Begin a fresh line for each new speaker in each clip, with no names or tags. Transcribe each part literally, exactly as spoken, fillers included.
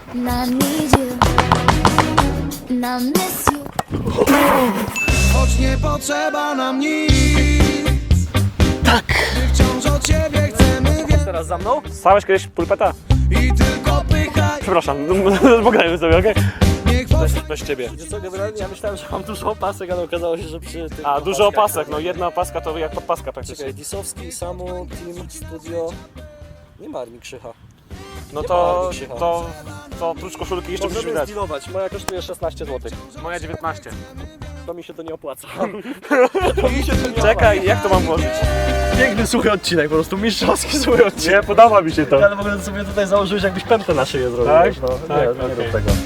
And I need you, and I miss you.
Choć nie potrzeba nam nic.
Tak!
Wciąż od ciebie chcemy więcej.
Teraz za mną?
Stałeś kiedyś pulpeta?
I tylko pychaj.
Przepraszam, pogadajmy sobie, okej?
Niech was...
Bez ciebie.
Wiecie co, generalnie ja myślałem, że mam dużo opasek, ale okazało się, że przy tych
A, dużo
opaskach-
opasek, no jedna opaska to jak podpaska praktycznie.
Czekaj, Disowski, Samu, Team, Studio... Nie ma Armii Krzycha.
No
nie
to,
ma Krzycha.
to, to oprócz koszulki jeszcze musisz mi
Możemy
dać.
zdealować, moja kosztuje szesnaście złotych.
Moja dziewiętnaście.
To mi się to nie opłaca.
Czekaj, jak to mam włożyć?
Piękny, suchy odcinek, po prostu mistrzowski suchy odcinek.
Nie, podoba mi się to.
Ale w ogóle sobie tutaj założyłeś, jakbyś pętę na szyję zrobił.
Tak?
wiesz, No,
Tak,
nie, nie
okej.
rób tego.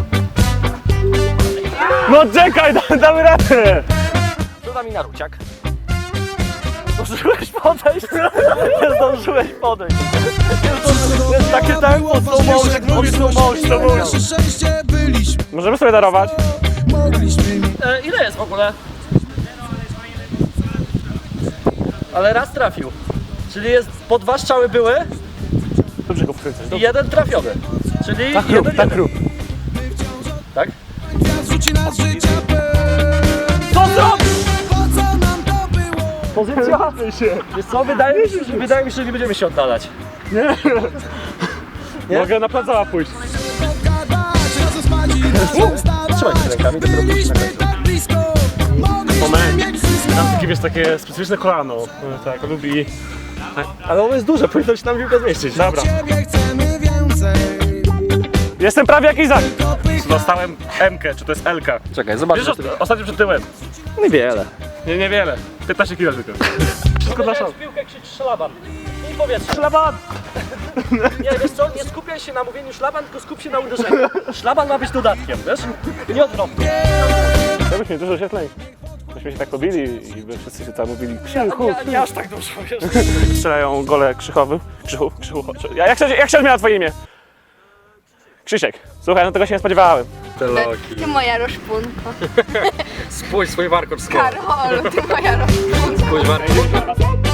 No czekaj, da, damy radę!
To da mi na ruciak. Zdążyłeś podejść? Nie zdążyłeś podejść. To jest takie tempo, slow motion, slow motion, slow motion.
Nasze szczęście byliśmy.
Możemy sobie darować?
Mogliśmy mi.
E, ile jest w ogóle? Ale raz trafił. Czyli jest, po dwa strzały były
Dobrze go wkręcać.
i jeden trafiony. Czyli
Tak
jeden,
rób, tak
jeden.
rób.
Tak?
Gwiazd rzuci nas życia pełen.
Co zrobisz?
Po co nam to było?
Pozycja? Wiesz co, wydaje mi się, że, wydaje mi się, że nie będziemy się oddalać. Nie?
Mogę na plac pójść.
Pogadać, razem spać i razem wstawać.
Trzymaj się rękami, dopiero pójść na
Byliśmy
końcu.
tak blisko. Mogliśmy
Moment.
mieć wszystko.
Mam takie, wiesz, takie specyficzne kolano. Tak, lubi...
Ale ono jest duże, powinno się tam piłkę zmieścić.
Dobra.
Ciebie chcemy więcej.
Jestem prawie jak Izak.
Tylko pychaj.
Dostałem M-kę, czy to jest L-ka.
Czekaj, zobacz.
Wiesz, ostatnio przed tyłem.
Niewiele.
Nie, niewiele. piętnaście kilo tylko. Wszystko dla szans.
piłkę krzycz szlaban. I powietrze.
Szlaban!
Nie, wiesz co, nie skupiaj się na mówieniu szlaban, tylko skup się na uderzeniu. Szlaban ma być dodatkiem, wiesz? Nie odwrotnie.
To byśmy dużo świetlej. Myśmy się tak pobili i by wszyscy się tam mówili Krzychu,
Nie, nie aż tak dużo, wiesz?
strzelają gole Krzychowy. Krzychu, Krzychu. Ja- Jak się, jak się odmienia twoje imię? Krzysiek. Słuchaj, no tego się nie spodziewałem.
Te loki.
Ty moja roszpunko.
Spójrz swój warkocz z
Karol, ty moja roszpunko.
Spójrz warkocz.